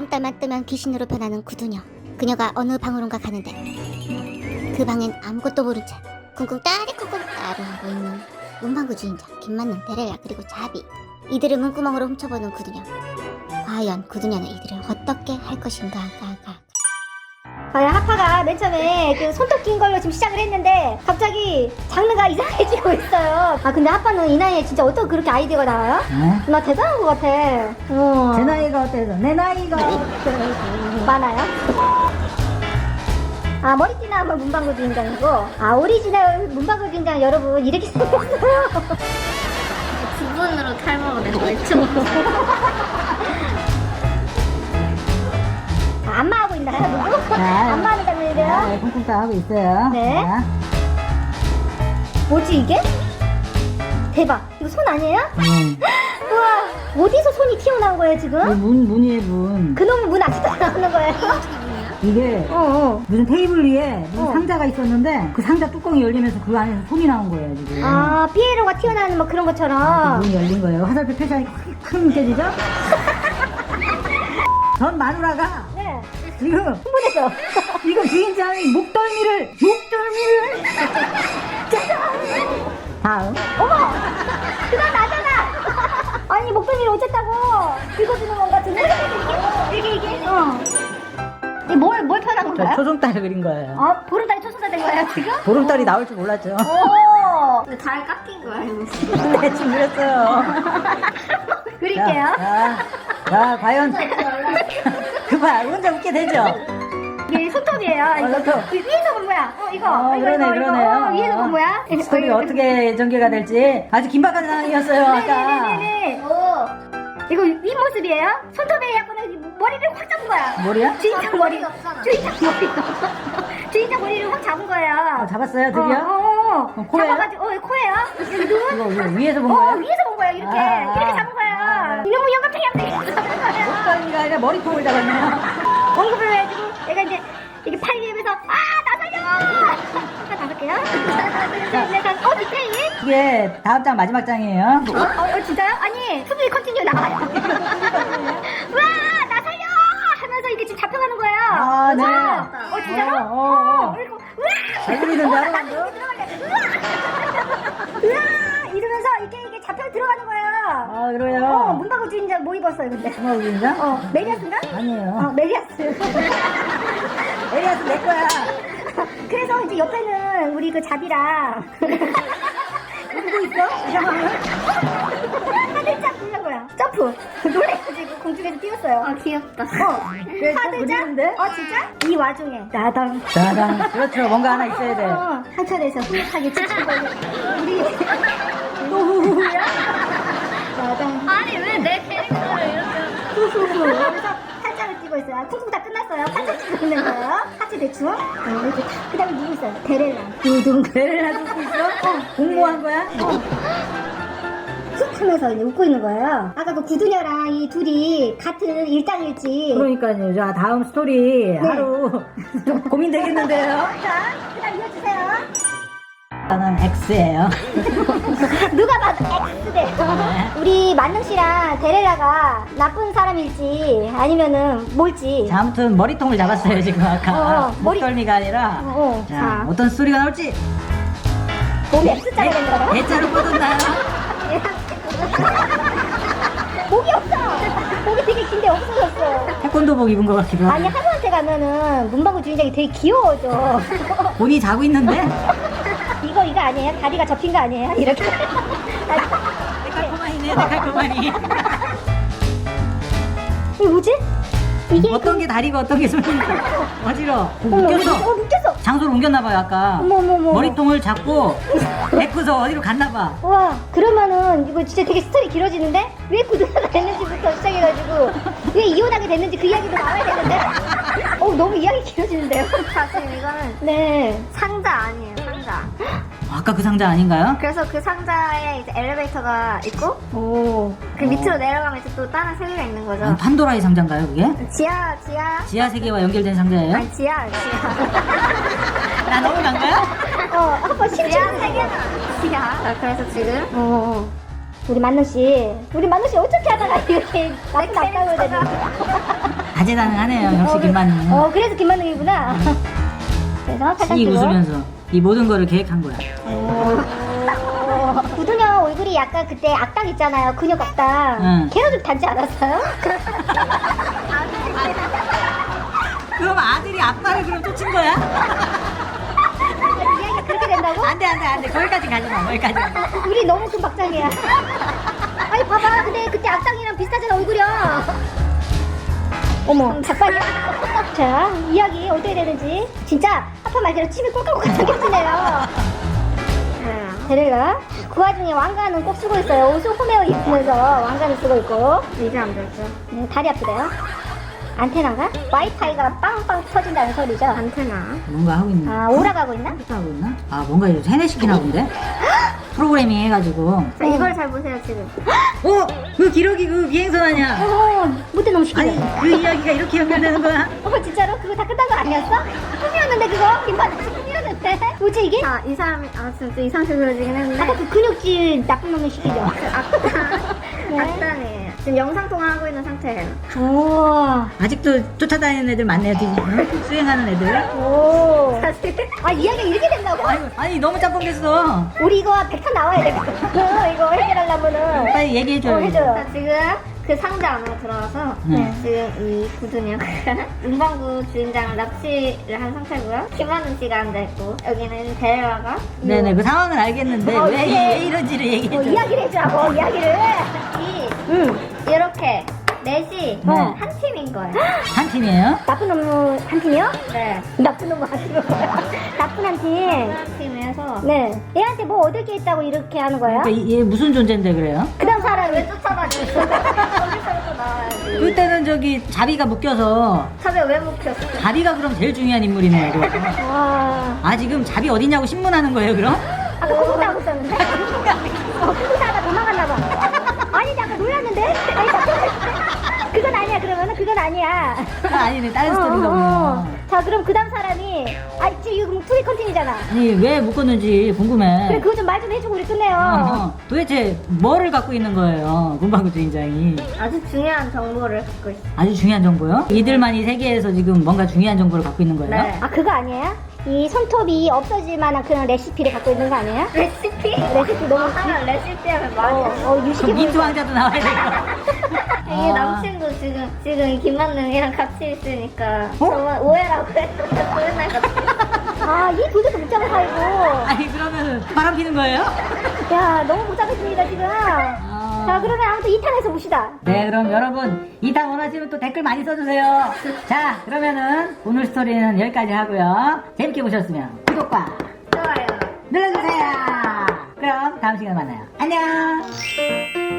눈동따만 뜨면 귀신으로 변하는 구두녀. 그녀가 어느 방으론가 가는데 그 방엔 아무것도 모른 채 쿵쿵 따리쿵쿵 따리하고 있는 문방구 주인장 김만능, 데렐라 그리고 자비. 이들을 문구멍으로 훔쳐보는 구두녀. 과연 구두녀는 이들을 어떻게 할 것인가. 하파가 맨 처음에 그 손톱 낀 걸로 지금 시작을 했는데 갑자기 장르가 이상해지고 있어요. 아 근데 하파는 이 나이에 진짜 어떻게 그렇게 아이디어가 나와요? 어? 나 대단한 것 같아. 제 나이가 어때서? 내 나이가 어때서? 많아요? 아 머리띠나 한번 문방구 주인장이고, 아 오리지널 문방구 주인장 여러분 이렇게 생겼어요. 두 번으로 탈모가 돼서 외쳐. 안마하고 있나요 누구? 자, 안마하는 장면이래요? 네, 쿵쿵 따 하고 있어요. 네. 자, 뭐지 이게? 대박, 이거 손 아니에요? 문. 우와, 어디서 손이 튀어나온 거예요 지금? 문이에요, 문. 그놈의 문 아직도 안 나오는 거예요? 이게 무슨 테이블 위에 무슨 상자가 있었는데 그 상자 뚜껑이 열리면서 그 안에서 손이 나온 거예요, 지금. 아 피에로가 튀어나오는 뭐 그런 것처럼. 문이 열린 거예요. 화살표 표시가 큰 느껴지죠? 전 마누라가 네. 지금 흥분했어. 지금 주인장이 목덜미를 다음 어머, 그건 나잖아. 아니 목덜미를 어쨌다고 긁어주는 건가 드는 이게 뭘 표현한 저 건가요? 초승달을 그린 거예요. 아 보름달이 초승달 된 거예요 지금? 보름달이 나올 줄 몰랐죠. 오, 잘 깎인 거야 이거. 네, 지금 그렸어요. 그릴게요. 자, 과연 그봐 혼자 웃게 되죠? 이게 손톱이에요. 이거 손톱. 위에서 본 거야. 이거 그러네요. 위에서 본 거야. 스토리가 어떻게 전개가 될지 아주 긴박한 상황이었어요, 아까. 네네네네. 오. 이거 윗모습이에요? 손톱에 약간 머리를 확 잡은 거야. 머리야? 주인장 머리. 주인장 머리. 주인장 머리를 확 잡은 거예요. 잡았어요, 드디어? 코예요? 잡아가지고, 코예요? 여기 눈? 이거 위에서 본 거예요? 위에서 본 거예요, 이렇게. 이렇게 잡은 거예요. 이놈의 영감탱이한테 잡은 거예요. 목덜미가 아니라 머리통을 잡았네요. 언급을 해가지고, 얘가 이제, 이게 팔 위에서, 나 살려! 하나 다섯 개요? 디테일? 이게 다음 장 마지막 장이에요. 진짜요? 아니, 수비 컨티뉴 나와요. 우와, 나 살려! 하면서 이게 지금 잡혀가는 거예요. 아, 네. 진짜로? 그리고, 우와! 잘 그리는데, 나도 하나만 더? 이렇게 들어갈래. 우와! 이러면서 이게 잡혀 들어가는 거예요. 아, 그래요? 문방구 주인장 뭐 입었어요, 근데? 정말 우리인가? 메리아스인가? 아니에요. 메리아스. 에리아스 내 거야. 그래서 이제 옆에는 우리 그 자비랑 누구 있어? 이상하면 하늘짝 불는 거야. 점프. 놀래가지고 공중에서 뛰었어요. 아 귀엽다. 그래, 좀 하늘짝? 그리는데? 진짜? 이 와중에 나당. 짜잔. 그렇죠. 뭔가 하나 있어야 돼. 한천에서 후하게 지치고 우리 노후야? 나당. 아니 왜 내 캐릭터를 이렇게? 후후후. 그래서 팔짱을 끼고 있어요. 쿵쿵 다 끝났어요. 팔짱 끼고 있는 거예요. 하체 대충. 이렇게 그 다음에 누구 있어요? 데렐라. 두둥. 배를 하고 있어? 공모한 거야? 툭 하면서 이제 웃고 있는 거예요. 아까 그 구두녀랑 이 둘이 같은 일당일지. 그러니까요. 자, 다음 스토리 하루 좀 고민되겠는데요. 자, 그 다음 이어주세요. 저는 X예요. 누가 봐도 X대. 우리 만능 씨랑 데렐라가 나쁜 사람일지 아니면은 뭘지. 자, 아무튼 머리통을 잡았어요, 지금 아까. 머리- 목덜미가 아니라. 자, 자, 어떤 스토리가 나올지. 몸이 X자가 된 거예요? 대자로 뻗었나요? 목이 없어. 목이 되게 긴데 없어졌어. 태권도복 입은 것 같기도 하고. 아니 하루한테 가면은 문방구 주인장이 되게 귀여워져. 본인이 자고 있는데? 이거 아니에요? 다리가 접힌 거 아니에요? 이렇게. 데칼코마니네, 데칼코마니. 이게 뭐지? 이게 어떤 게 다리가 어떤 게 손인가? 어지러워. 어머, 묶였어. 묶였어. 장소를 옮겼나봐요, 아까. 어머. 머리통을 잡고 베꾸서 어디로 갔나봐. 와, 그러면은 이거 진짜 되게 스토리 길어지는데? 왜 구두가 됐는지부터 시작해가지고 왜 이혼하게 됐는지 그 이야기도 나와야 되는데? 너무 이야기 길어지는데요? 사실 이거는 네. 상자 아니에요 상자. 아까 그 상자 아닌가요? 그래서 그 상자에 이제 엘리베이터가 있고 오. 그 밑으로 내려가면 이제 또 다른 세계가 있는 거죠. 판도라의 상자인가요, 그게? 지하. 지하 세계와 연결된 상자예요? 아니 지하. 나 너무 간가요? 한번 심층. 지하 세계는 지하. 그래서 지금 우리 만능 씨 어떻게 하다가 이렇게 나쁜 악당을 되는? 다재다능하네요. 역시 김만능. 그래서 김만능이구나. 그래서 팔짱 이 끼고. 웃으면서 이 모든 거를 계획한 거야. 구두녀 얼굴이 약간 그때 악당 있잖아요. 근육 악당. 응. 걔랑 좀 닮지 않았어요? 그럼 아들이 아빠를 그럼 쫓은 거야? 이야기가 그렇게 된다고? 안돼 거기까지 가지 마. 거기까지. 우리 너무 금박장이야. 아니 봐봐. 근데 그때 악당이랑 비슷하잖아 얼굴이야. 어머 작발이야. 자 이야기 어떻게 되는지 진짜 아빠 말대로 침이 꼴깍꼴깍 생겼네요. 데렐라 그 와중에 왕관은 꼭 쓰고 있어요. 옷을 홈웨어 입으면서 왕관을 쓰고 있고. 이제 안 됐어. 네, 다리 아프대요. 안테나가? 와이파이가 빵빵 터진다는 소리죠. 안테나. 뭔가 하고 있나? 아 오라가고 있나? 하고 있나? 아 뭔가 이거 세뇌시키나 본데? 프로그래밍 해가지고. 자, 이걸 잘 보세요 지금. 그 기록이 그 비행선 아니야? 못해 너무 시키네. 아니 그 이야기가 이렇게 연결되는 거야? 진짜로? 그거 다 끝난 거 아니었어? 꿈이었는데 그거? 김반장 꿈이었는데? 뭐지 이게? 아, 이 사람이, 진짜 이상하게 그려지긴 했는데. 아까 그 근육질 나쁜 놈을 시키죠? 네. 악당이에요. 지금 영상통화 하고 있는 상태예요. 오. 아직도 쫓아다니는 애들 많네요. 수행하는 애들. 오. 사실. 아 이야기가 이렇게 된다고? 아니 너무 짬뽕됐어. 우리 이거 100편 나와야 되겠어. 이거 해결하려면은. 빨리 얘기해줘요. 해줘요. 자, 지금 그 상자 안으로 들어가서 네. 지금 이 구두녀가 문방구 주인장을 납치를 한 상태고요. 김하는 씨가 앉아있고 여기는 데렐라가 네네 그 상황은 알겠는데 왜 이런지를 얘기해줘. 이야기를 해주라고 이야기를. 이렇게 넷이 네. 한 팀인 거예요. 한 팀이에요? 나쁜 놈 한 팀이요? 네. 나쁜 놈 하시는 거야. 나쁜 한 팀. 한 팀에서 네. 얘한테 뭐 얻을 게 있다고 이렇게 하는 거예요? 그러니까 얘 무슨 존재인데 그래요? 그 다음 사람이. 왜 쫓아다니고 있어? 거기서부터 나와야지. 그때는 저기 자비가 묶여서 탑에 왜 묵혔어? 자비가 그럼 제일 중요한 인물이네요. 그럼. 와. 아 지금 자비 어디냐고 신문하는 거예요 그럼? 아까 쿵쿵 하고 있었는데? 쿵쿵 하다 도망갔나 봐. 아니, 아까 놀랐는데? 아니, 그건 아니야, 그러면은? 그건 아니야. 아, 아니네 다른 스토리인가 보네요. 자, 그럼 그 다음 사람이, 지금 이거 투비 컨텐이잖아. 아니 왜 묶었는지 궁금해. 그래, 그거 좀 말 좀 해주고 우리 끝내요. 도대체 뭐를 갖고 있는 거예요 문방구 주인장이? 아주 중요한 정보를 갖고 있어. 아주 중요한 정보요? 이들만이 세계에서 지금 뭔가 중요한 정보를 갖고 있는 거예요? 네. 아, 그거 아니에요? 이 손톱이 없어질 만한 그런 레시피를 갖고 있는 거 아니에요? 레시피? 레시피 너무 하면 레시피 하면 많이 그럼 유식해 민트 보이고. 왕자도 나와야 되고. 이게 아. 남친도 지금 이 김만능이랑 같이 있으니까 어? 저번 오해라고 했는데 맨날 같이 이 도대체 복잡한 사이고. 아니 그러면 바람 피는 거예요? 야, 너무 복잡했습니다, 지금. 자, 그러면 아무튼 2탄에서 봅시다. 네 그럼 여러분 2탄 원하시면 또 댓글 많이 써주세요. 자 그러면은 오늘 스토리는 여기까지 하고요. 재밌게 보셨으면 구독과 좋아요. 눌러주세요. 그럼 다음 시간에 만나요. 안녕.